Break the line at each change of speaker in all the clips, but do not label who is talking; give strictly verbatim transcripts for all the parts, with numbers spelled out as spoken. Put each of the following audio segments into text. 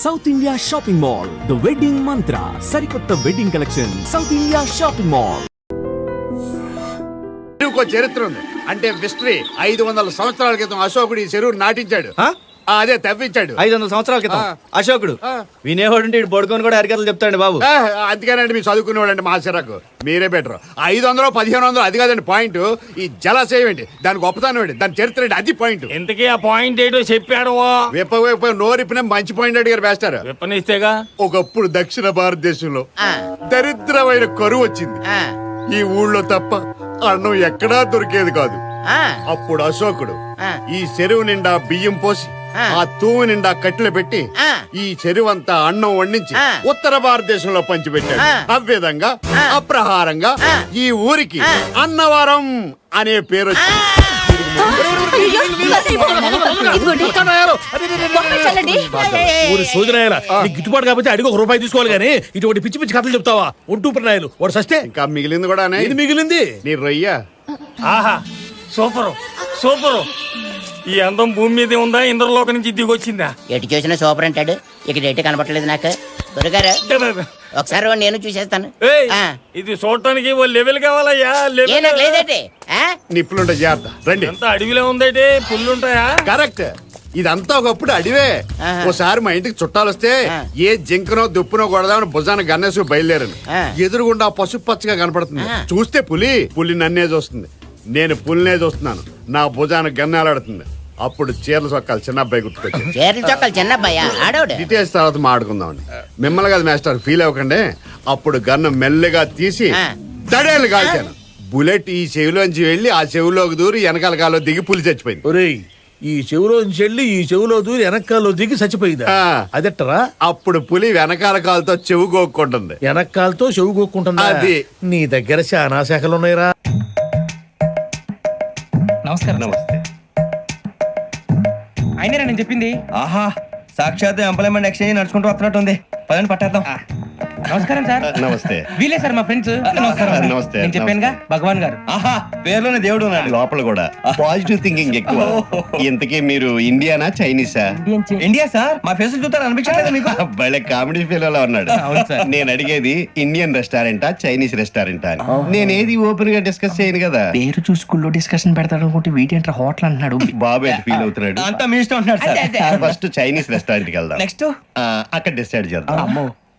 South India shopping mall, the wedding Mantra, సరికొత్త wedding collection, south India shopping mall.
చరిత్ర ఉంది అంటే హిస్టరీ. ఐదు వందల సంవత్సరాల క్రితం అశోకుడు ఈ చెరువు నాటించాడు, అదే తవ్వించాడు.
ఐదు వందల సంవత్సరాల క్రితం అశోకుడు వినేవాడు పడుకొని కూడా హరికథలు చెప్తాడు బాబు.
అందుకేనండి మీరు చదువుకునేవాడండి మా చిరకు. మీరే బెటర్. ఐదు వందలు పదిహేను వందలు అది కాదండి పాయింట్. ఈ జలాశయం ఏంటి, దాని గొప్పతనం ఏంటి, దాని చరిత్ర ఏంటి, అది పాయింట్.
ఇంతకీ ఆ పాయింట్ ఏంటో చెప్పాడు.
విప్ప విప్ప నోరిపిన మంచి పాయింట్ అడిగారు వేస్తారు.
విప్పనిస్తేగా.
ఒకప్పుడు దక్షిణ భారతదేశంలో దరిద్రమైన కరువు వచ్చింది. ఈ ఊళ్ళో తప్ప అన్నం ఎక్కడా దొరికేది కాదు. అప్పుడు అశోకుడు ఈ చెరువు నిండా బియ్యం పోసి ఆ తూము నిండా కట్టెలు పెట్టి ఈ చెరువు అంతా అన్నం వండించి ఉత్తర భారతదేశంలో పంచిపెట్టాడు. అవ్విధంగా అప్రహారంగా ఈ ఊరికి అన్నవరం అనే పేరు వచ్చింది.
గిట్టుబాటు కాకపోతే అడిగి ఒక రూపాయి తీసుకోవాలి కానీ ఇటువంటి పిచ్చి పిచ్చి కథలు చెప్తావా? ఒంటూ ప్రణాయాలు వాడు సస్తే
ఇంకా మిగిలింది కూడా
ఇది మిగిలింది
నీ రొయ్య.
ఆహా సూపరు సూపరు. ఈ అందం భూమి మీద ఉందా, ఇంద్రలోక నుంచి దిగొచ్చిందా?
ఎటు చూసినా సూపర్ అంటాడు. ఇక్కడ ఎటు కనపడలేదు నాకు. దొరగారు ఒకసారి నేను చూసేస్తాను.
ఇది చూడటానికి ఓ లెవెల్ కావాలయ్యా.
లేదంటే
నిప్పులుంటే జాగ్రత్త. రండి.
అంతా అడవిలో ఉందంటే పుల్లుంటాయా?
కరెక్ట్. ఇదంతా ఒకప్పుడు అడివే. ఓసారి మా ఇంటికి చుట్టాలు వస్తే ఏ జింకనో దుప్పునో కొడదామని భుజాన గన్నేసి బయలుదేరను. ఎదురుగుండా పసుపు పచ్చగా కనపడుతుంది. చూస్తే పులి పులి నన్నే చూస్తుంది, నేను పులినే చూస్తున్నాను. నా భుజాన గన్నేలాడుతుంది. అప్పుడు చీరల చొక్కాలు చిన్న అబ్బాయి గుర్తుకొచ్చి
చీరల చొక్కాలు చిన్న అబ్బాయి
డీటెయిల్స్ తర్వాత మాట్లాడుకుందామండి. మిమ్మల్ని కాదు మాస్టర్, ఫీల్ అవ్వకండి. అప్పుడు గన్ను మెల్లగా తీసి దడేలు కాల్చాను. బుల్లెట్ ఈ చెవిలోంచి వెళ్ళి ఆ చెవిలోకి దూరి వెనకాల కాలో దిగి పులి చచ్చిపోయింది.
ఒరేయ్, ఈ చెవిలోంచి వెళ్ళి ఈ చెవిలో దూరి వెనకాలలో దిగి చచ్చిపోయిందా? అదెట్టరా?
అప్పుడు పులి వెనకాల కాలుతో చెవు గోక్కుంటుంది.
వెనకాలతో చెవు గోక్కుంటుంది.
అది
నీ దగ్గర చాలా శాఖలు ఉన్నాయిరా.
నమస్కారం. నమస్తే. అయినరా నేను చెప్పింది?
ఆహా, సాక్షాత్ ఎంప్లాయ్మెంట్ ఎక్స్చేంజ్ నడుచుకుంటూ వస్తున్నట్టు ఉంది. పదండి పట్టేద్దాం.
నమస్కారం సార్.
నమస్తే.
వీలే సార్ మా ఫ్రెండ్స్.
నమస్తే.
నేను చెప్పానుగా భగవాన్ గారు.
ఆహా, పేర్లోనే దేవుడు ఉన్నాడు.
లోపల కూడా పాజిటివ్ థింకింగ్ ఎక్కువ. ఇంతకీ మీరు ఇండియానా చైనీసా?
India sir. మా ఫేస్ చూస్తారు అనిపించలేదు మీకు?
భలే కామెడీ ఫీల్ అలా ఉన్నాడు. నేను అడిగేది ఇండియన్ రెస్టారెంటా చైనీస్ రెస్టారెంటా అని. నేను ఏది ఓపెన్ గా డిస్కస్ చేయను కదా.
పేరు చూసుకుల్లో డిస్కషన్ పెడతాడు అనుకుంటే వీటి ఏంట్రా హోటల్ అంటున్నాడు.
బాబు ఎట్ ఫీల్ అవుతున్నాడు.
అంతా మీ ఇష్టం ఉంటున్నాడు సార్.
ఫస్ట్ చైనీస్ రెస్టారెంట్ కి వెళ్దాం.
నెక్స్ట్
అక్కడ డిసైడ్ చేద్దాం.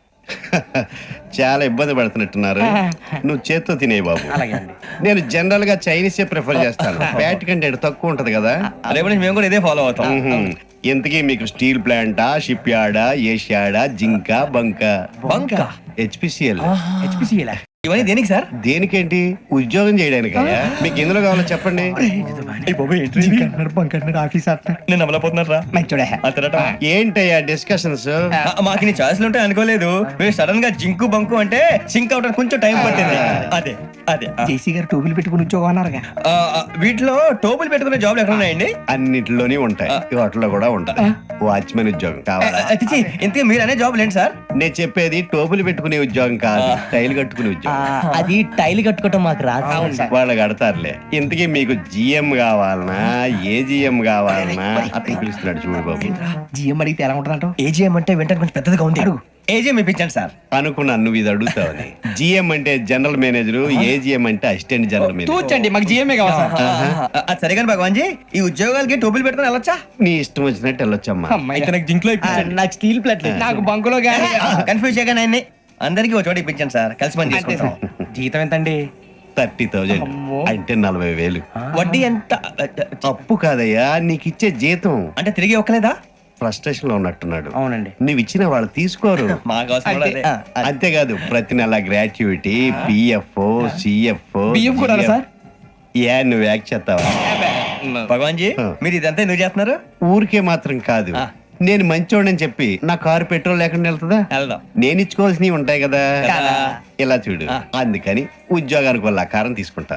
చాలా ఇబ్బంది పడుతున్నట్టున్నారు. నువ్వు చేత్తో తినే బాబు. నేను జనరల్ గా చైనీస్ ప్రిఫర్ చేస్తాను. ఫ్యాట్ కంటెంట్ తక్కువ ఉంటది కదా.
రేపు మేము కూడా ఇదే ఫాలో అవుతాం.
ఇంతకీ మీకు స్టీల్ ప్లాంటా, షిప్ యార్డా, ఏషియాడా, జింక, బంక?
బంక
హెచ్పిసిఎల్.
హెచ్పిసిఎల్
ఇవన్నీ దేనికి సార్?
దేనికేంటి? ఉద్యోగం చేయడానికి. మీకు ఎందులో కావాలో చెప్పండి.
నేను అమలపోతున్నారా?
ఏంటయ్యా డిస్కషన్స్?
మాకు నీ ఛాయిస్లు ఉంటాయి అనుకోలేదు. మీరు సడన్ గా జింకు బంకు అంటే సింక్ అవడానికి కొంచెం టైం పట్టింది. అదే అదే
జేసీ గారు టోపీలు పెట్టుకుని ఉద్యోగం అన్నారుగా.
వీటిలో టోపులు పెట్టుకునే జాబ్లు ఎక్కడ ఉన్నాయండి?
అన్నిటిలోనే ఉంటాయి. వాటిలో కూడా ఉంటాయి. వాచ్మెన్ ఉద్యోగం కావాలా?
ఇంతకీ మీరు అనే జాబ్ ఏంటి సార్?
నేను చెప్పేది టోపులు పెట్టుకునే ఉద్యోగం కాదు, టైల్ కట్టుకునే ఉద్యోగం.
అది టైల్ కట్టుకోవటం మాకు రాదు.
వాళ్ళు కడతారులే. ఇంతకీ మీకు జిఎం కావాలనా, ఏ జిఎం కావాలనా? అతను పిలుస్తున్నాడు చూడు బాబు.
జిఎం అడిగితే ఎలా ఉంటుందంట?
ఏజిఎం అంటే వెంటనే కొంచెం పెద్దదిగా ఉంది. అడుగు. ఏజిఎం ఇప్పించండి సార్.
అనుకున్నాను నువ్వు ఇది అడుగుతావని. జిఎం అంటే జనరల్ మేనేజర్, ఏజిఎం అంటే అసిస్టెంట్ జనరల్ మేనేజర్.
చూచండి, మాకు జిఎంఏ కావాలి సార్.
అది సరే కానీ భగవాన్ జీ, ఈ ఉద్యోగాలకి టోపులు పెట్టుకుని వెళ్ళొచ్చా?
నీ ఇష్టం వచ్చినట్టు వెళ్ళొచ్చమ్మా.
అయితే నాకు జింక్ లో
నాకు స్టీల్ ప్లేట్, నాకు బంకులో గానీ.
కన్ఫ్యూజ్ చేయగానే ఆయన్ని అందరికి ఒక చోట ఇప్పించండి సార్. కలిసి పని చేసుకుంటాం.
జీతం ఎంతండి?
థర్టీ థౌజండ్ అంటే నలభై వేలు.
వడ్డీ ఎంత?
అప్పు కాదయ్యా, నీకు ఇచ్చే జీతం.
అంటే తిరిగి ఒక్కలేదా?
ఫ్రస్ట్రేషన్ లో ఉన్నట్టున్నాడు.
అవునండి.
నువ్వు ఇచ్చిన వాళ్ళు తీసుకోరు. అంతేకాదు ప్రతి నెల గ్రాట్యుటీ, పిఎఫ్, సిఎఫ్.
బియ్యం కూడా సార్?
ఏ నువ్వు యాక్ట్ చేస్తావా?
భగవాన్ జీ, మీరు ఇదంతా ఎందుకు చేస్తున్నారు?
ఊరికే మాత్రం కాదు, నేను మంచోడని చెప్పి నా కారు పెట్రోల్ లేకుండా వెళ్తుందా? నేను ఇచ్చుకోవాల్సినవి ఉంటాయి కదా. ఇలా చూడు, అందుకని ఉద్యోగానికి వాళ్ళ ఆకారం తీసుకుంటా.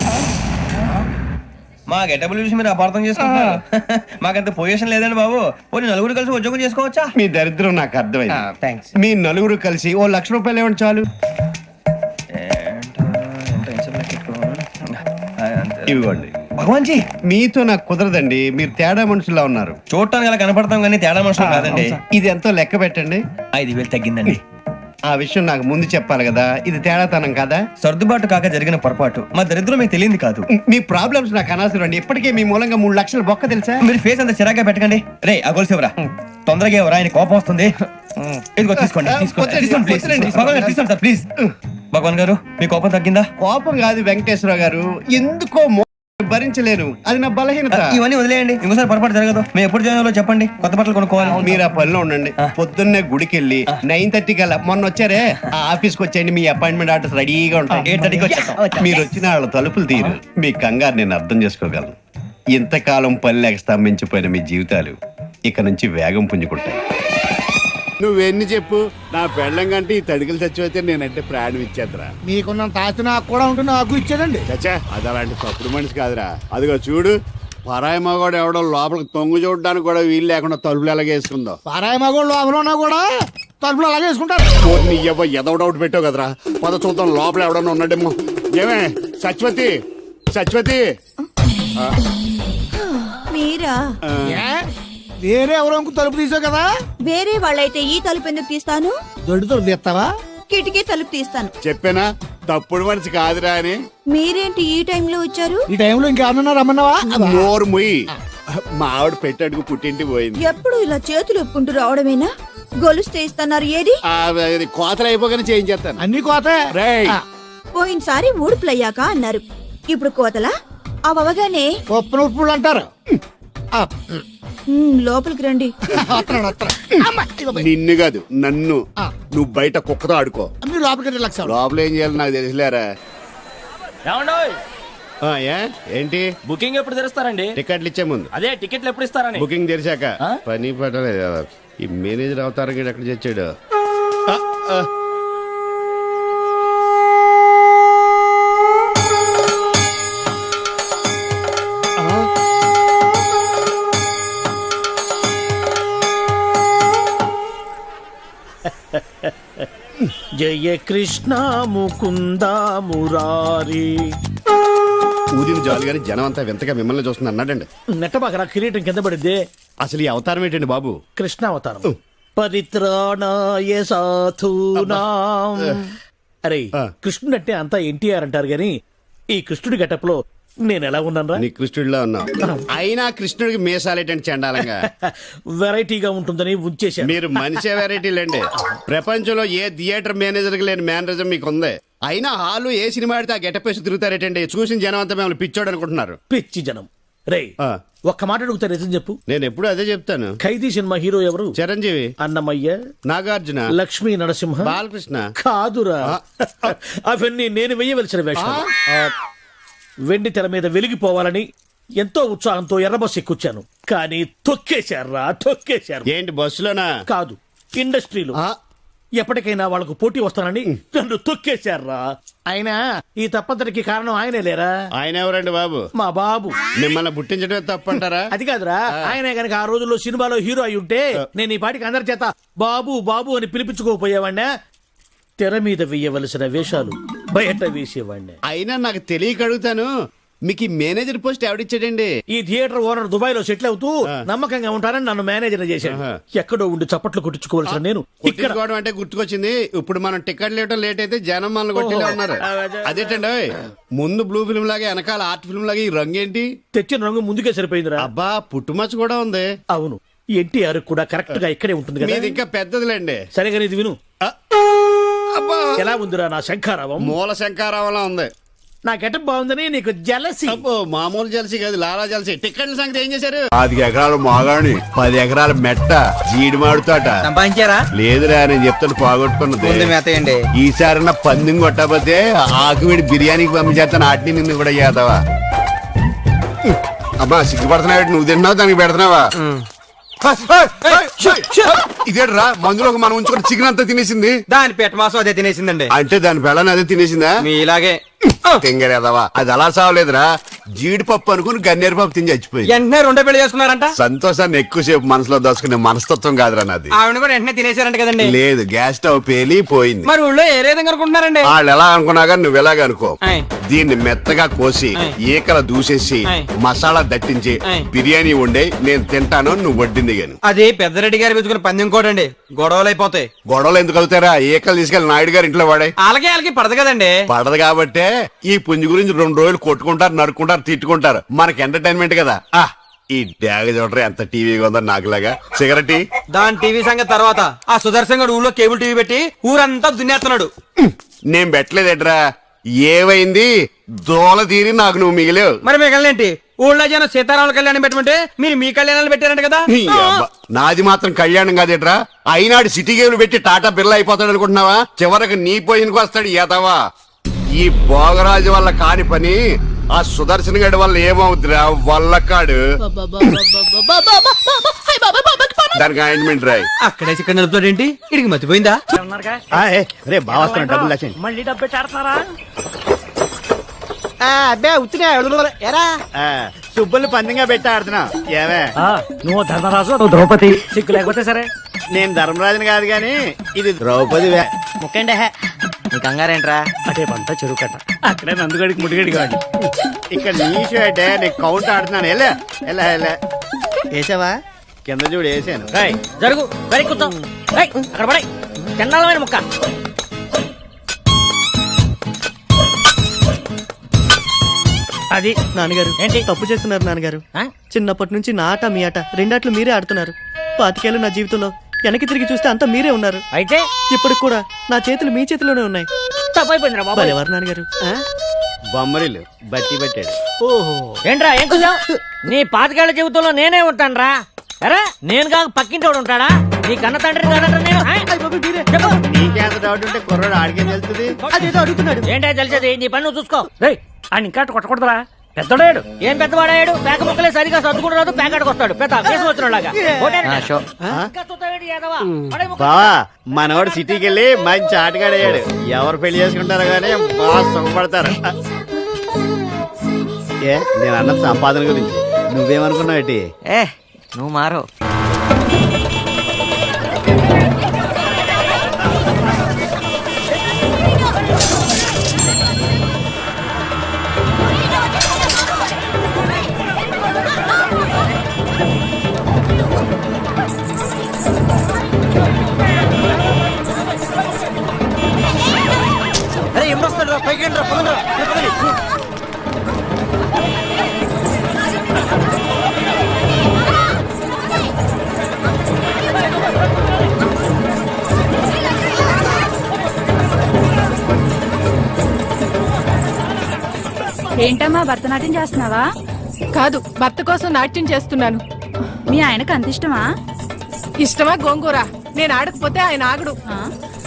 మా గెటబుల్ చూసి మీరు అపార్థం చేసుకుంటున్నారు. మాకంత పొజిషన్ లేదండి బాబు. పోనీ నలుగురు కలిసి ఉద్యోగం చేసుకోవచ్చా?
మీ దరిద్రం నాకు అర్థమైంది. మీ నలుగురు కలిసి ఓ లక్ష రూపాయలు ఇవ్వండి చాలు.
ఇవ్వండి. భగవాన్ జీ
మీతో నాకు కుదరదండి, మీరు తేడా మనుషులా ఉన్నారు.
చూడటానికి అలా కనపడతాం కానీ తేడా మనుషులు కాదండి.
ఇది ఎంతో లెక్క పెట్టండి.
ఐదు వేలు తగ్గిందండి.
ఆ విషయం నాకు ముందు చెప్పాలి కదా, ఇది తేడాతనం కదా.
సర్దుబాటు కాక జరిగిన పొరపాటు, మా దరిద్రం మీకు తెలియంది కాదు.
మీ ప్రాబ్లమ్స్ నాకు అనవసరం అండి. ఇప్పటికే మీ మూలంగా మూడు లక్షల బొక్క తెలుసా.
మీరు ఫేస్ అంత చిరాగ్గా పెట్టకండి. రే ఆ గొలుసు ఎవరా? తొందరగా ఎవరా? ఆయన కోపం వస్తుంది. ఇదిగో తీసుకోండి, తీసుకోండి, తీసుకోండి, please. భగవాన్ గారు తీసుకోండి సార్, ప్లీజ్. భగవాన్ గారు మీ కోపం తగ్గిందా?
కోపం కాదు వెంకటేశ్వర గారు, ఎందుకో మో- భరించలేను, అది నా బలహీనత.
ఇవన్నీ వదిలేయండి, ఇంకోసారి పొరపాటు జరగదు. మేము ఎప్పుడు జాయిన్ అవ్వాలో చెప్పండి, కొత్త బట్టలు కొనుక్కోవాలి.
మీరు ఆ పనిలో ఉండండి. పొద్దున్నే గుడికి వెళ్ళి నైన్ థర్టీ కల్లా, మొన్న వచ్చారే ఆ ఆఫీస్కి వచ్చేయండి, మీ అపాయింట్మెంట్ ఆర్డర్స్ రెడీగా ఉంటాయి.
ఎయిట్ థర్టీకి వచ్చేస్తాం.
మీరు వచ్చిన వాళ్ళ తలుపులు తీరు. మీ కంగారు నేను అర్థం చేసుకోగలను. ఇంతకాలం పని లేక స్తంభించిపోయిన మీ జీవితాలు ఇక నుంచి వేగం పుంజుకుంటాయి.
నువ్వెన్ని చెప్పు, నా పెళ్ళం కంటే ఈ తడికలు చచ్చిపోతే నేనంటే ప్రాణం ఇచ్చేద్దరా.
మీకున్నంత ఆస్తి నాకు కూడా ఉంటుంది, నాకు ఇచ్చేదండి.
చచ్చా, అది అలాంటి తప్పుడు మనిషి కాదురా. అదిగో చూడు, పరాయి మగవాడు ఎవడో లోపలికి తొంగు చూడడానికి కూడా వీలు లేకుండా తలుపులు ఎలాగేసుకుందో.
పారాయి మగోళ్ళు లోపల ఉన్నా కూడా తలుపులు అలాగే వేసుకుంటారు.
నీ ఎవ ఎదో డౌట్ పెట్టావు కదరా. పద చూద్దాం లోపల ఎవడన్నా ఉన్నాడేమో. ఏమే సత్యవతి, సత్యవతి.
మీరా?
ఏ? వేరే ఎవరో తలుపు తీసావు కదా.
వేరే వాళ్ళైతే ఈ తలుపు ఎందుకు తీస్తాను?
దొడ్డు తలుపు తీస్తావా?
కిటికీ తలుపు తీస్తాను.
చెప్పానా తప్పుడు మనిషి కాదురా అని.
మీరేంటి ఈ టైంలో వచ్చారు?
ఈ టైంలో ఇంకేమన్నా రమ్మన్నావా?
నోరు ముయ్యి. మా ఆవిడ పెట్టడుకు పుట్టింటి పోయింది.
ఎప్పుడు ఇలా చేతులు ఒప్పుకుంటూ రావడమేనా? గొలుస్తే ఇస్తున్నారు ఏది?
ఆ, అది కోతలు అయిపోగానే చేయించేస్తాను.
అన్ని కోతే.
రేయ్,
పోయినసారి ఊడుపులయ్యాక అన్నారు, ఇప్పుడు కోతలా? అవగానే
ఉప్పును ఉప్పులు అంటారు. ఆ,
లోపలికి రండి.
వస్తున్నాడు, వస్తున్నాడు. అమ్మ, ఇదిగో పోయి.
నిన్ను కాదు నన్ను. నువ్వు బయట కుక్కతో ఆడుకో.
మీరు లోపలికి రిలాక్స్ అవ్వండి.
లోపల ఏం చేయాలి నాకు తెలిసిలేరా. ఆ, ఏ? ఏంటి
బుకింగ్ ఎప్పుడు తెరుస్తారండి?
టికెట్లు ఇచ్చే ముందు.
అదే టికెట్లు ఎప్పుడు ఇస్తారని.
బుకింగ్ తెరిచాక.
ఆ?
పని పట్టలేదు. ఈ మేనేజర్ అవతారం గీడు ఎక్కడ తెచ్చాడు. ఆ, ఆ.
జయ కృష్ణ ముకుంద మురారి.
ఊదిన జాలి గాని జనం అంతా వింతగా మిమ్మల్ని చూస్తుంది అన్నాడండి.
నెట్టబాకరా, కిరీటం కింద పడిద్ది.
అసలు ఈ అవతారం ఏంటండి బాబు?
కృష్ణ అవతారం. పరిత్రాణాయ సాధూనాం. అరే,
ఆ.
కృష్ణుడు అంటే అంతా ఎన్టీఆర్ అంటారు గాని ఈ కృష్ణుడి గెటప్ లో నేను ఎలా ఉన్నాను?
నీ కృష్ణుడిలో ఉన్నావు. అయినా కృష్ణుడికి మీసాలేటండి చండాలంగా.
వెరైటీగా ఉంటుందని ఉంచేశాను.
మీరు మనిషే వెరైటీలండి. ప్రపంచంలో ఏ థియేటర్ మేనేజర్ కి లేని మేనరిజం మీకు ఉంది. అయినా హాలు ఏ సినిమా ఆడితే ఆ గెటప్ వేసి తిరుగుతారేటండి. చూసిన జనం అంతా మిమ్మల్ని పిచ్చోడు అనుకుంటున్నారు.
పిచ్చి జనం. రే,
ఆ.
ఒక్క మాట అడుగుతా, నిజం చెప్పు.
నేను ఎప్పుడు అదే చెప్తాను.
ఖైదీ సినిమా హీరో ఎవరు?
చిరంజీవి,
అన్నమయ్య,
నాగార్జున,
లక్ష్మీ నరసింహ,
బాలకృష్ణ.
కాదురా, అవన్నీ నేను వెయ్యవలసిన వేషాలు. వెండి తెర మీద వెలిగిపోవాలని ఎంతో ఉత్సాహంతో ఎర్రబస్ ఎక్కుచ్చాను, కానీ తొక్కేశారా తొక్కేశారు.
ఏంటి బస్సులోనా?
కాదు, ఇండస్ట్రీలో.
ఆ.
ఎప్పటికైనా వాళ్ళకు పోటీ వస్తానని నన్ను తొక్కేశారా. అయినా ఈ తప్పంతటికి కారణం ఆయనే లేరా?
ఆయన ఎవరండి బాబు?
మా బాబు.
మిమ్మల్ని పుట్టించడమే తప్పంటారా?
అది కాదురా, ఆయనే గనక ఆ రోజుల్లో సినిమాలో హీరో అయి ఉంటే నేను ఈ పాటికి అందరి చేత బాబు బాబు అని పిలిపించుకోపోయేవాడినా. తెర మీద వేయవలసిన వేషాలు బయట వేసేవాడిని.
అయినా నాకు తెలియక అడుగుతాను, మీకు ఈ మేనేజర్ పోస్ట్ ఎవడిచ్చాడండి?
ఈ థియేటర్ ఓనర్ దుబాయ్ లో సెటిల్ అవుతూ నమ్మకంగా ఉంటానని నన్ను మేనేజర్ చేశాడు.
ఆహా.
ఎక్కడో ఉండి చప్పట్లు కొట్టించుకోవాల్సిన నేను ఇక్కడ.
కొట్టించుకోవడం అంటే గుర్తుకొచ్చింది. ఇప్పుడు మనం టికెట్ లేవటం లేట్ అయితే జనం మనల్ని కొట్టేలా ఉన్నారు. అదేంటండి ఓయ్, ముందు బ్లూ ఫిల్మ్ లాగా వెనకాల ఆర్ట్ ఫిల్మ్ లాగా ఈ రంగు ఏంటి?
తెచ్చిన రంగు ముందుకే సరిపోయిందిరా.
అబ్బా, పుట్టుమచ్చ కూడా ఉంది.
అవును, ఎన్టీఆర్ కూడా కరెక్ట్ గా ఇక్కడే ఉంటుంది కదా.
మీది ఇంకా పెద్దదిలేండి.
సరిగా ఇది విను.
ఆ, అబ్బా,
ఎలా ఉందిరా నా శంఖారావం?
మూల శంకారావంలా ఉంది.
నా గెటప్ బాగుందని నీకు జలసి.
అబ్బో, మామూలు జలసి కాదు, లాలా జలసి. టికెట్ల సంగతి ఏం చేశారు? పది ఎకరాలు మాగాణి, పది ఎకరాల మెట్ట, జీడి మాడుతాట
సంపాదించారా?
లేదురా, నేను చెప్తాను పోగొట్టుకున్నది.
మెత్తయండి.
ఈసారి పందెం కొట్టకపోతే ఆకువిడి బిర్యానీకి పంపించేస్తాను. ఆటిని నిన్ను కూడా చేద్దావా? అబ్బా, సిగ్గుపడుతున్నావు. నువ్వు తిన్నావు, దానికి పెడుతున్నావా? ఇదేట్రా, మందులో మనం ఉంచుకుని చికెన్ అంతా తినేసింది.
దాని పెట్ట మాసం అదే తినేసిందండి.
అంటే దాని పెళ్ళని అదే తినేసిందా?
మీ ఇలాగే
తింగరేదవా, అది అలా సావలేదురా. జీడిపప్పు అనుకుని గన్నేరు పప్పు తిని చచ్చిపోయింది.
వెంటనే రెండో పెళ్లి చేసుకున్నారంట.
సంతోషాన్ని ఎక్కువసేపు మనసులో దాచుకునే మనస్తత్వం కాదురా నాది.
ఆవిడ కూడా వెంటనే తినేసారంట కదండి.
లేదు, గ్యాస్ స్టవ్ పేలి పోయింది.
మరి ఊళ్ళో ఏ విధంగా అనుకుంటున్నారండి?
వాళ్ళు ఎలా అనుకున్నా కానీ నువ్వు ఎలాగ అనుకో.
ఆయ్.
దీన్ని మెత్తగా కోసి
ఆయ్.
ఈకల దూసేసి
ఆయ్.
మసాలా దట్టించి
ఆయ్.
బిర్యానీ వండే నేను తింటాను, నువ్వు వడ్డింది గాని.
అది పెద్దరెడ్డి గారు పెంచుకున్న పందెం కోటండి, గొడవలు అయిపోతాయి.
గొడవలు ఎందుకు అవుతారా? ఈకలు తీసుకెళ్లి నాయుడు గారి ఇంట్లో వాడే.
అలాగే వాళ్ళకి పడదు కదండి.
పడదు కాబట్టే ఈ పుంజు గురించి రెండు రోజులు కొట్టుకుంటారు, నరుక్కుంటారు, తిట్టుకుంటారు. మనకి ఎంటర్టైన్మెంట్ కదా. ఆ ఈ డ్యాగ చూడరా ఎంత టీవీగా ఉందో నాకులాగా. సిగరెట్
దాని టీవీ సంగతి తర్వాత, ఆ సుదర్శన్ గారు ఊళ్ళో కేబుల్ టీవీ పెట్టి ఊరంతా దున్నేస్తున్నాడు.
నేను పెట్టలేదేట్రా, ఏవైంది దోల తీరి నాకు నువ్వు మిగిలేవు.
మరి మిగలనేంటి? ఊళ్ళో జనం సీతారాముల కళ్యాణం పెట్టమంటే మీరు మీ కళ్యాణాలు పెట్టారంట కదా.
ఈ అబ్బ, నాది మాత్రం కళ్యాణం కాదేట్రా. అయినాడు సిటీ గేమ్లు పెట్టి టాటా బిర్లా అయిపోతాడు అనుకుంటున్నావా? చివరికి నీ పోయినకు వస్తాడు ఏతవా. ఈ భోగరాజు వల్ల కాని పని ఆ సుదర్శన్ గడి వల్ల ఏమవుతురా వల్లకాడు. దానికి ఆయింట్మెంట్ రాయి.
అక్కడే ఇక్కడ నడుపుతాడు ఏంటి? ఇడికి మతిపోయిందా?
రే బాగా డబ్బులు
మళ్ళీ డబ్బు ఆడుతున్నారా?
అబ్బే ఉత్తినే ఎరా సుబ్బుల్ని పందిగా పెట్టి ఆడుతున్నా. ఏమే
నువ్వు ధర్మరాజు, నువ్వు ద్రౌపది. సిగ్గు లేకపోతే సరే.
నేను ధర్మరాజుని కాదు గాని ఇది ద్రౌపది.
ముక్కండి నీ కంగారేంట్రా?
అటే పంట చెరువు కట్ట, అక్కడే నందుగడికి ముడిగడి కాదు.
ఇక్కడ నీషు అంటే నీకు కౌంట్ ఆడుతున్నాను. ఎలా ఎలా ఎలా వేసావా? కింద చూడు వేసాను.
జరుగు వెరీ కూర్చో. అక్కడ పడే చండాలమైన ముక్క.
అది
నాన్నగారు
ఏంటి?
తప్పు చేస్తున్నారు నాన్నగారు.
ఆ?
చిన్నప్పటి నుంచి నా ఆట మీ ఆట రెండాట్లు మీరే ఆడుతున్నారు. పాతికేళ్ళు నా జీవితంలో వెనక్కి తిరిగి చూస్తే అంతా మీరే ఉన్నారు.
అయితే
ఇప్పటికి కూడా నా చేతులు మీ చేతిలోనే ఉన్నాయి.
తప్పైపోయిందిరా బాబు.
భలేవారు నాన్నగారు.
బొమ్మరిల్లు బట్టి పెట్టాడు.
ఓహో ఏంట్రా ఏం కూర్చావు? నీ పాతికేళ్ల జీవితంలో నేనే ఉంటాను రా. అరే నేను కాక పక్కింటోడు ఉంటాడా? నీ కన్న తండ్రి కాదంటారా నేను? ఆ? చెప్పు.
నీకేంత డౌట్ ఉంటే కుర్రాడు ఆడికేం తెలుస్తుంది?
అదేదో అడుగుతున్నాడు.
ఏంటో తెలిసేది? నీ పని నువ్వు చూసుకో.
రేయ్ ఆయన ఇంకా కొట్టకూడదురా, పెద్దడాడు.
ఏం పెద్దవాడాడు? పేక ముక్కలే సరిగా సర్దుకుని రాదు, పేకాడికి వస్తాడు పెద్ద వేసి వచ్చినలాగా.
బావా మనవాడు సిటీకి వెళ్ళి మంచి ఆటగాడయ్యాడు. ఎవరు పెళ్లి చేసుకుంటారో గానీ బాగా సుఖపడతారు. ఏ నేను అన్న సంపాదన గురించి నువ్వేమనుకున్నావు? ఏంటి
ఏ నువ్వు మారు.
అరే ఎప్పుడు వస్తాడు రా? పైకి రండి రా, పదండి రా. రే, పదండి.
ఏంటమ్మా భరతనాట్యం చేస్తున్నావా?
కాదు, భర్త కోసం నాట్యం చేస్తున్నాను.
మీ ఆయనకు అంత ఇష్టమా?
ఇష్టమా గోంగూర? నేను ఆడకపోతే ఆయన ఆగడు.
ఆ?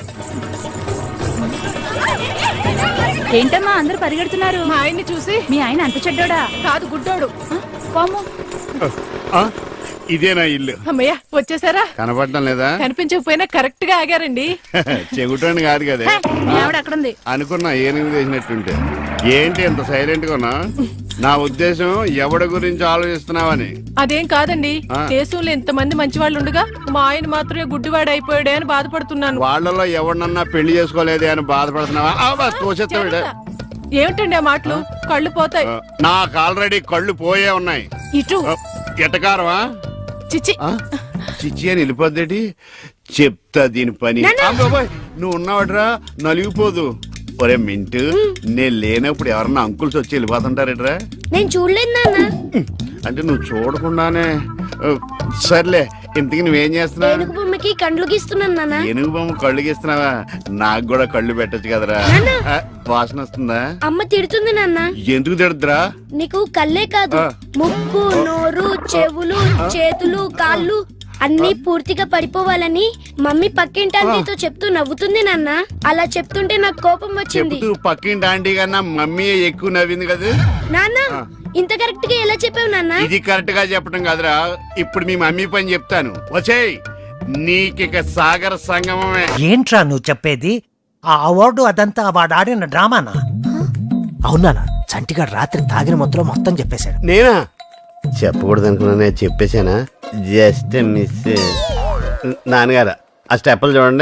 ఏంటమ్మా అందరూ పరిగెడుతున్నారు?
మా ఆయన్ని చూసి.
మీ ఆయన అంత చెడ్డోడా?
కాదు గుడ్డోడు.
పాము.
ఆ, ఇదేనా ఇల్లు?
అమ్మయ్య వచ్చేసారా?
కనపడటం లేదా?
కనిపించకపోయినా కరెక్ట్ గా ఆగారండి.
చెగుటోని కాదు కదా
హే, మీ ఆవిడ అక్కడుంది.
అనుకున్నా ఏనుగు చేసినట్టుంటే. ఏంటి ఎంత సైలెంట్ గా ఉన్నా? నా ఉద్దేశం ఎవడి గురించి ఆలోచిస్తున్నావని.
అదేం కాదండి,
ఆ.
దేశంలో ఎంతమంది మంచి వాళ్ళు ఉండగా మా ఆయన మాత్రమే గుడ్డివాడు అయిపోయాడే అని బాధపడుతున్నాను.
వాళ్ళలో ఎవరినన్నా పెళ్లి చేసుకోలేదే అని బాధపడుతున్నావా? ఆ, బా, తోసేస్తావిడ.
ఏమిటండి ఆ మాటలు? కళ్ళు పోతాయి.
ఆ, నాకు ఆల్రెడీ కళ్ళు పోయే ఉన్నాయి.
ఇటు
ఆ, ఎటకారమా?
చిచి.
ఆ? చిచ్చి అని వెళ్ళిపోద్దేటి? చెప్తా దీని పని. అబ్బబ్బోయ్, నువ్వు ఉన్నావట్రా నలిగిపోదు. ఒరే మింటు, నేను లేనప్పుడు ఎవరన్నా అంకుల్స్ వచ్చి వెళ్ళిపోతుంటారేట్రా?
నేను చూడలేదు నాన్న.
అంటే నువ్వు చూడకుండానే. ఆ, సర్లే, ఇంతకి నువ్వేం చేస్తున్నావు?
ఏనుగు బొమ్మకి కండ్లు గీస్తున్నాను నాన్న.
ఏనుగు బొమ్మ కళ్ళు గీస్తున్నావా? నాకు కూడా కళ్ళు పెట్టొచ్చు కదరా. ఆ, వాసన వస్తుందా?
అమ్మ తిడుతుంది నాన్న.
ఎందుకు తిడద్దురా?
నీకు కళ్ళే కాదు,
ఆ.
ముక్కు, నోరు, చెవులు, చేతులు, కాళ్ళు అన్ని పూర్తిగా పడిపోవాలని మమ్మీ పక్కింటి ఆంటీతో చెప్తూ నవ్వుతుంది నాన్న. అలా చెప్తుంటే నాకు కోపం వచ్చింది.
చెప్తూ పక్కింటి ఆంటీ కన్నా మమ్మీ ఎక్కువ నవ్వింది కదా.
నాన్న ఇంత కరెక్ట్ గా ఎలా చెప్పావు నాన్న?
ఇది కరెక్ట్ గా చెప్పడం కాదురా, ఇప్పుడు మీ మమ్మీ పని చెప్తాను. వచ్చేయ్, నీకిక సాగర సంగమమే.
ఏంట్రా నువ్వు చెప్పేది? ఆ అవార్డు అదంతా వాడు ఆడిన డ్రామానా? అవునా?
చంటిగాడు రాత్రి తాగిన మొత్తంలో మొత్తం చెప్పేశాడు.
నేనా చెప్పకూడదు అనుకున్నా చెప్పేశానా? Just miss. నాన్నగారు ఆ స్టెప్పులు చూడండి.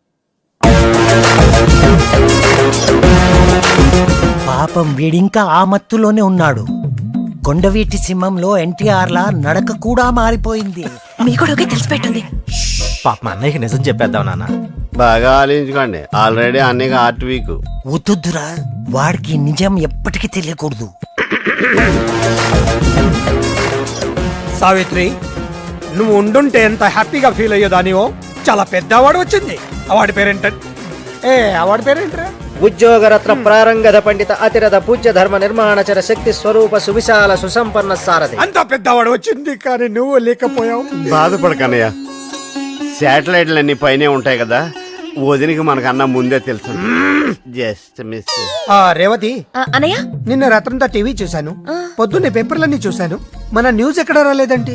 పాపం వీడింకా ఆ మత్తులోనే ఉన్నాడు. కొండవీటి సింహంలో ఎన్టీఆర్ లా నడక కూడా మారిపోయింది.
మీ కూడా తెలిసిపెట్టింది.
పాప మా అన్నయ్యకి నిజం చెప్పేద్దాం నాన్న.
బాగా ఆలోచించుకోండి, ఆల్రెడీ అన్నయ్య ఆర్ట్ వీక్.
వద్దురా, వాడికి నిజం ఎప్పటికీ తెలియకూడదు.
సావిత్రి, నువ్వు ఉండుంటే ఎంత హ్యాపీగా ఫీల్ అయ్యేదానివో. చాలా పెద్ద అవార్డు వచ్చింది. అవార్డు పేరేంట? ఏ అవార్డు పేరేంటరా?
ఉద్యోగరత్న ప్రారంగధ పండిత అతిరథ పూజ్య ధర్మ నిర్మాణచర శక్తి స్వరూప సువిశాల సుసంపన్న సారథి.
అంత పెద్ద అవార్డు వచ్చింది, కానీ నువ్వు లేకపోయావు.
బాధపడకన్నయ్య, శాటిలైట్లు అన్ని పైనే ఉంటాయి కదా, వదినికి మనకన్నా ముందే తెలుసు. Just miss.
రేవతి
అనయ్య,
నిన్న రాత్రంతా టీవీ చూశాను, పొద్దున్నే పేపర్లన్నీ చూశాను. మన న్యూస్ ఎక్కడ రాలేదండి?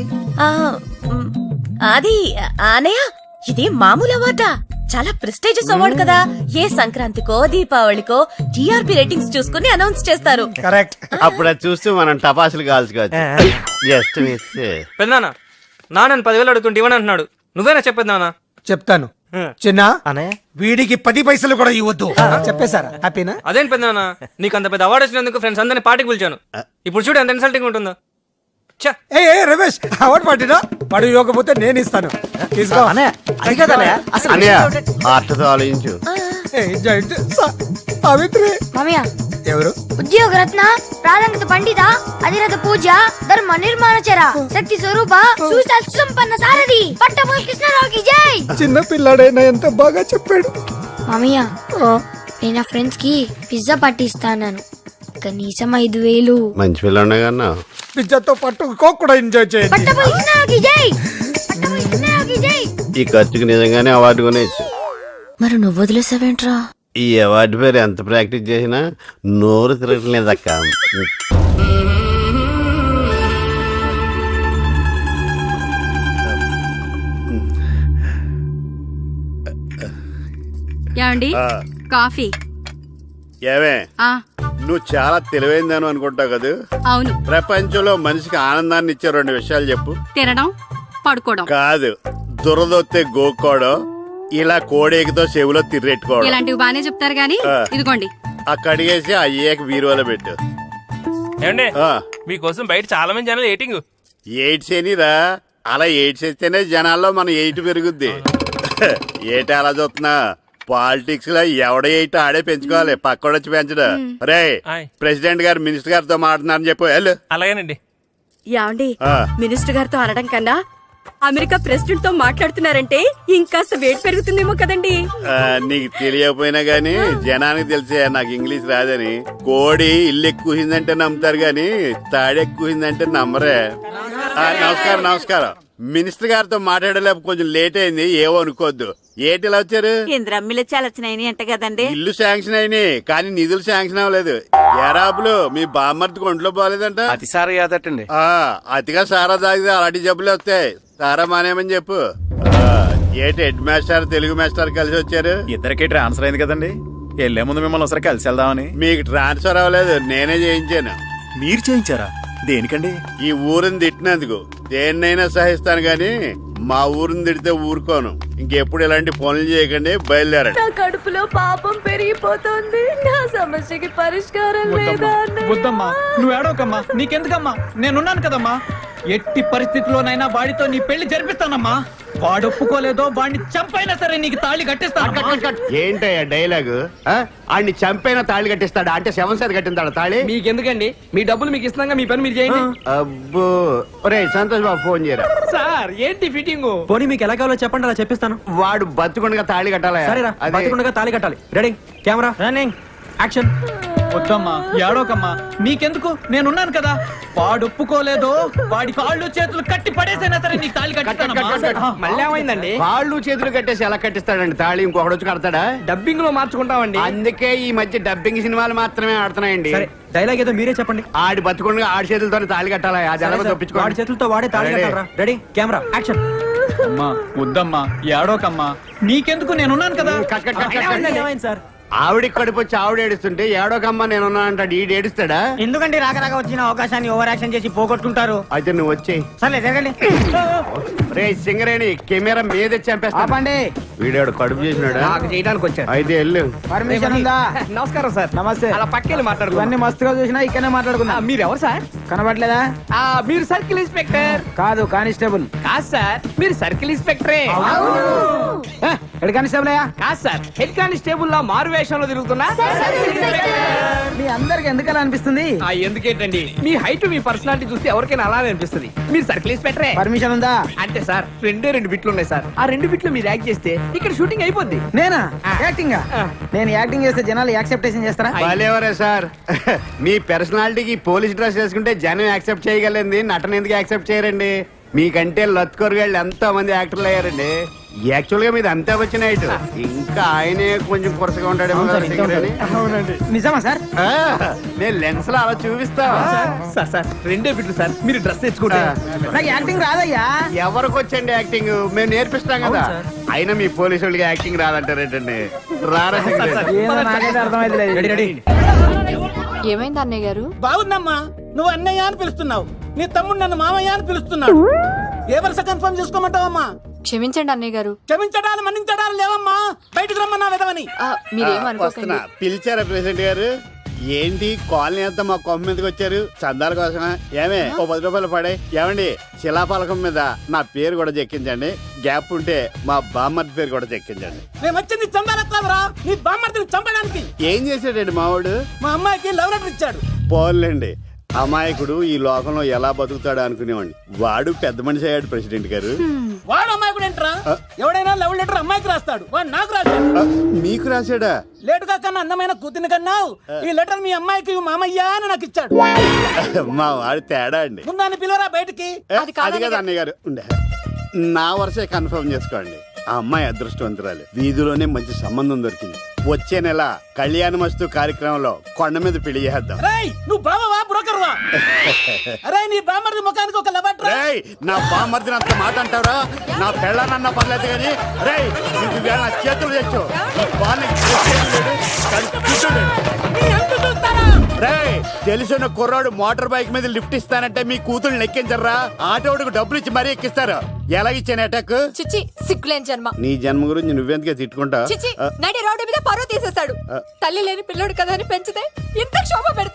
అది అనయ్య, ఇది మామూలు అవార్డా? చాలా ప్రెస్టీజియస్ అవార్డు కదా. ఏ సంక్రాంతికో దీపావళికో టీఆర్పీ రేటింగ్స్ చూసుకుని అనౌన్స్ చేస్తారు.
కరెక్ట్.
అప్పుడు అది చూస్తూ మనం టపాసులు కాల్చుకోవచ్చు. Just miss.
పెద్దనాన్న, నాన్న పదివేలు అడుగుతుంటే ఇవ్వని అంటున్నాడు. నువ్వేనా చెప్పేది నాన్న? చెప్తాను చిన్న. వీడికి పది పైసలు కూడా ఇవ్వద్దు. చెప్పేశారా? హ్యాపీనా? అదేం పెద్దనాన్న, నీకు అంత పెద్ద అవార్డు వచ్చినందుకు ఫ్రెండ్స్ అందరినీ పార్టీకి పిలిచాను. ఇప్పుడు చూడు ఎంత ఇన్సల్టింగ్ ఉంటుందో. ఏ రమేష్, అవార్డు పార్టీనా? వాడు ఇవ్వకపోతే నేను ఇస్తాను. తీసుకో.
అన్నయ్య ఆర్ట్తో ఆలోచించు.
సావిత్రి
మామయ్య,
ఎవరు?
ఉద్యోగరత్న ప్రారంగత పండిత అధిరథ పూజ ధర్మ నిర్మాణచర శక్తి స్వరూప సువిశాల సుసంపన్న సారథి పట్టభూమి కృష్ణరావుకి జై.
చిన్న పిల్లాడైనా ఎంత బాగా చెప్పాడు.
మామయ్య, నేను నా ఫ్రెండ్స్ కి పిజ్జా పార్టీ ఇస్తాను. కనీసం ఐదు వేలు.
మంచి పిల్లనే కన్నా
పిజ్జాతో పాటు కోక్ కూడా ఎంజాయ్ చేయండి.
పట్టభూమి కృష్ణరావుకి జై. పట్టభూమి కృష్ణరావుకి జై.
ఈ ఖర్చుకి నిజంగానే అవార్డు కొనేచ్చు.
మరి నువ్వు వదిలేసావేంట్రా?
ఈ అవార్డు పేరు ఎంత ప్రాక్టీస్ చేసినా నోరు తిరగట్లేదక్క.
యాండి కాఫీ.
ఏమే, నువ్వు చాలా తెలివైందని అనుకుంటావు కదా.
అవును.
ప్రపంచంలో మనిషికి ఆనందాన్ని ఇచ్చే రెండు విషయాలు చెప్పు.
తినడం, పడుకోవడం.
కాదు, దురదొత్తే గోక్కోవడం, ఇలా కోడేకితో చెవులో తిర్రెట్టుకోవడం.
ఇలాంటివి బానే చెప్తారు గానీ ఇదిగోండి.
ఆ కడిగేసి అయ్యేక బీరువాలో పెట్టు.
ఏమండి, మీకోసం బయట చాలా మంది జనాలు ఎయిటింగ్.
ఎయిడ్స్ ఏనిరా, అలా ఎయిడ్స్ వేస్తేనే జనాల్లో మన ఎయిట్ పెరుగుద్ది. ఏటి అలా చూస్తున్నా? పాలిటిక్స్ లో ఎవడ ఎయిట్ ఆడే పెంచుకోవాలి, పక్కోడొచ్చి పెంచడు. రే, ప్రెసిడెంట్ గారు మినిస్టర్ గారితో మాట్లాడుతున్నారని చెప్పు. వెళ్ళు.
అలాగేనండి.
యాండి, మినిస్టర్ గారితో అనడం కన్నా అమెరికా ప్రెసిడెంట్ తో మాట్లాడుతున్నారంటే ఇంకాస్త వేడి పెరుగుతుందేమో కదండి.
నీకు తెలియకపోయినా గానీ జనానికి తెలిసే నాకు ఇంగ్లీష్ రాదని. కోడి ఇల్లు ఎక్కువసిందంటే నమ్ముతారు గాని తాడెక్కువసిందంటే నమ్మరే. నమస్కారం నమస్కారం. మినిస్టర్ గారితో మాట్లాడలేక కొంచెం లేట్ అయింది, ఏవో అనుకోవద్దు. ఏటి ఇలా వచ్చారు?
ఇంద్రమ్మిలు చాలా వచ్చినాయి అంట కదండి.
ఇల్లు శాంక్షన్ అయినాయి కానీ నిధులు శాంక్షన్ అవ్వలేదు. ఎరాబులు మీ బామ్మర్తికి ఒంట్లో పోలేదంట.
అతి సారా యాదటండి.
ఆ అతిగా సారా తాగితే అలాంటి జబ్బులు వస్తాయి. సారా మానేమని చెప్పు. ఏటి హెడ్ మాస్టర్ తెలుగు మాస్టర్ కలిసి వచ్చారు?
ఇద్దరికి ట్రాన్స్ఫర్ అయింది కదండి, వెళ్లే ముందు మిమ్మల్ని ఒకసారి కలిసి వెళ్దామని.
మీకు ట్రాన్స్ఫర్ అవ్వలేదు, నేనే చేయించాను.
మీరు చేయించారా? దేనికండి?
ఈ ఊరిని తిట్టినందుకు. దేన్నైనా సహిస్తాను గాని మా ఊరిని తిడితే ఊరుకోను. ఇంకెప్పుడు ఇలాంటి పనులు చేయకండి, బయలుదేరండి.
నా కడుపులో పాపం పెరిగిపోతుంది. నా సమస్యకి పరిష్కారం లేదా?
వద్దమ్మా, నువ్వు ఏడవకమ్మా. నీకెందుకమ్మా, నేనున్నాను కదమ్మా. ఎట్టి పరిస్థితిలోనైనా వాడితో నీ పెళ్లి జరిపిస్తానమ్మా. వాడు ఒప్పుకోలేదో వాడిని చంపైనా సరే నీకు తాళి కట్టిస్తాను.
ఏంటయ్యా డైలాగు? ఆడిని చంపైనా తాళి కట్టిస్తాడా? అంటే శవం సార్ కట్టిందాడా తాళి?
మీకెందుకండి, మీ డబ్బులు మీకు ఇస్తున్నాగా, మీ పని మీరు చేయండి.
అబ్బో, ఒరే సంతోష్ బాబు ఫోన్ చేయరా.
సార్ ఏంటి ఫిట్టింగ్?
పోనీ మీకు ఎలా కావాలో చెప్పండి, అలా చెప్పిస్తాను.
వాడు బతుకుండగా తాళి కట్టాలా?
సరేరా, బతికుండగా తాళి కట్టాలి. Ready, camera running, action.
వద్దమ్మా, ఏడవకమ్మా. నీకెందుకు, నేనున్నాను కదా. వాడు ఒప్పుకోలేదో వాడి కాళ్ళు చేతులు కట్టి పడేసైనా సరే నీకు తాళి కట్టిస్తానమ్మా.
మళ్ళీ ఏమైందండి?
కాళ్ళు చేతులు కట్టేసి ఎలా కట్టిస్తాడండి తాళి? ఇంకొకటి వచ్చి కడతాడా?
డబ్బింగ్ లో మార్చుకుంటామండి.
అందుకే ఈ మధ్య డబ్బింగ్ సినిమాలు మాత్రమే ఆడుతున్నాయండి.
సరే, డైలాగ్ ఏదో మీరే చెప్పండి.
ఆడి బతుకుండగా ఆడి చేతులతో తాళి కట్టాలా? అది ఎలా తప్పించుకో.
వాడి చేతులతో వాడే తాళి కట్టాలరా. Ready, camera action.
అమ్మా వద్దమ్మా, ఏడవకమ్మా. నీకెందుకు, నేనున్నాను కదా.
సార్,
ఆవిడ కడుపు వచ్చి ఆవిడ ఏడుస్తుంటే ఏడోకమ్మ నేనున్నా అంటాడు ఈడు ఏడుస్తాడా?
ఎందుకంటే రాక రాక వచ్చిన అవకాశాన్ని ఓవర్ యాక్షన్ చేసి పోగొట్టుకుంటారు.
అయితే నువ్వు వచ్చేయి.
సర్లే జరగండి.
రే సింగరేణి కెమెరా మీద చంపేస్తా. వీడాడు కడుపు చేసినాడా?
చేయడానికి వచ్చారు.
అయితే వెళ్ళు.
పర్మిషన్ ఉందా? నమస్కారం సార్. నమస్తే. అలా పక్కెళ్ళి మాట్లాడు. ఇవన్నీ మస్తుగా చూసినా ఇక్కడనే మాట్లాడుకున్నా. మీరు ఎవరు సార్? కనబడలేదా? మీరు సర్కిల్ ఇన్స్పెక్టర్ కాదు, కానిస్టేబుల్ కాదు సార్. మీరు సర్కిల్ ఇన్స్పెక్టరే. హెడ్ కానిస్టేబుల్ అయ్యా? కాదు సార్, హెడ్ కానిస్టేబుల్ లా మారు వేషంలో తిరుగుతున్నా. మీ అందరికి ఎందుకలా అనిపిస్తుంది? ఎందుకేంటండి, మీ హైట్ మీ పర్సనాలిటీ చూస్తే ఎవరికైనా అలానే అనిపిస్తుంది. మీరు సర్కిల్ ఇన్స్పెక్టరే. పర్మిషన్ ఉందా? అంటే సార్ రెండే రెండు బిట్లు ఉన్నాయి సార్. ఆ రెండు బిట్లు మీరు యాక్ట్ చేస్తే ఇక్కడ షూటింగ్ అయిపోద్ది. నేనా యాక్టింగ్? నేను యాక్టింగ్ చేస్తే జనాలు యాక్సెప్టేషన్ చేస్తారా?
బాలేవరే సార్, మీ పర్సనాలిటీకి పోలీస్ డ్రెస్ వేసుకుంటే జనం యాక్సెప్ట్ చేయగలండి, నటన ఎందుకు యాక్సెప్ట్ చేయరండి? మీకంటే లత్కొరగాళ్ళు ఎంతో మంది యాక్టర్లు అయ్యారండి. యాక్చువల్ గా మీది అంతా వచ్చిన హైట్. ఇంకా ఆయనే కొంచెం కొరసగా ఉంటాడేమో కదా సింగరేణి.
నిజమా సార్?
ఆ, నేను లెన్స్ లో అలా చూపిస్తా.
సార్ సార్ రెండే బిట్లు సార్, మీరు డ్రెస్ తెచ్చుకుంటే. నాకు యాక్టింగ్ రాదయ్యా.
ఎవరికి వచ్చండి యాక్టింగ్? మేము నేర్పిస్తాం కదా. అయినా మీ పోలీసు వాళ్ళకి యాక్టింగ్ రాదంటారేంటండి? రారా
ఏమైంది అన్నయ్య గారు?
బాగుందమ్మా, నువ్వు అన్నయ్య అని పిలుస్తున్నావు, నీ తమ్ముడు నన్ను మామయ్య అని పిలుస్తున్నాడు. ఏ వరుస కన్ఫర్మ్ చేసుకోమంటావమ్మా?
క్షమించండి అన్నయ్య గారు.
క్షమించడాలు మన్నించడాలు లేవమ్మా, బయటకు రమ్మన్నా విధవని.
వస్తున్నా. పిలిచారా ప్రెసిడెంట్ గారు? ఏంటి కాలనీ అంతా మా కొమ్మ మీదకి వచ్చారు? చందాల కోసమా? ఏమే ఓ పది రూపాయలు పడే. ఏమండి శిలాఫలకం మీద నా పేరు కూడా చెక్కించండి. గ్యాప్ ఉంటే మా బామ్మర్ది పేరు కూడా చెక్కించండి.
మేము వచ్చింది చందాలకు కాదురా, నీ బామ్మర్దిని చంపడానికి.
ఏం చేశాడండి మావాడు?
మా అమ్మాయికి లవ్ లెటర్ ఇచ్చాడు.
పోన్లేండి, అమాయకుడు ఈ లోకంలో ఎలా బతుకుతాడు అనుకునేవాడిని. వాడు పెద్ద మనిషి అయ్యాడు ప్రెసిడెంట్ గారు.
వాడు అమ్మాయికుడు ఏంట్రా? ఎవడైనా లవ్ లెటర్ అమ్మాయికి రాస్తాడు, వాడు నాకు రాశాడు.
మీకు రాశాడా?
లేటుగా కన్నా అందమైన కూతుని కన్నావు, ఈ లెటర్ మీ అమ్మాయికి మామయ్య అని నాకు ఇచ్చాడు.
మా వాడు తేడా అండి.
ముందాన్ని పిలవరా బయటికి.
అది కాదు అన్నయ్య గారు, ఉండే నా వరుసే కన్ఫర్మ్ చేసుకోండి. ఆ అమ్మాయి అదృష్టవంతురాలు, వీధిలోనే మంచి సంబంధం దొరికింది. వచ్చే నెల కళ్యాణ మస్తు కార్యక్రమంలో కొండ మీద పెళ్లి చేద్దాం.
నువ్వు బావా బ్రోకర్ వా? అరే నీ బామ్మర్ది ముఖానికి ఒక లెటర్.
రేయ్, నా బామ్మర్దిని అంత మాట అంటారా? నా పెళ్ళనన్నా పర్లేదు కానీ రేయ్ నువ్వు నా చేతులు తెచ్చు. రేయ్, తెలిసిన కుర్రాడు మోటార్ బైక్ మీద లిఫ్ట్ ఇస్తానంటే మీ కూతురు ఎక్కించరా? ఆటోడికి డబ్బులు ఇచ్చి మరీ ఎక్కిస్తారు. ఎలా ఇచ్చాను అటాక్?
చిచ్చి సిగ్గులేని జన్మ.
నీ జన్మ గురించి నువ్వెందుకే తిట్టుకుంటా?
చిచ్చి నడి రోడ్డు మీద పరువు తీసేస్తాడు. తల్లి లేని పిల్లోడు కదా అని పెంచితే ఇంత క్షోభ పెడతాడు.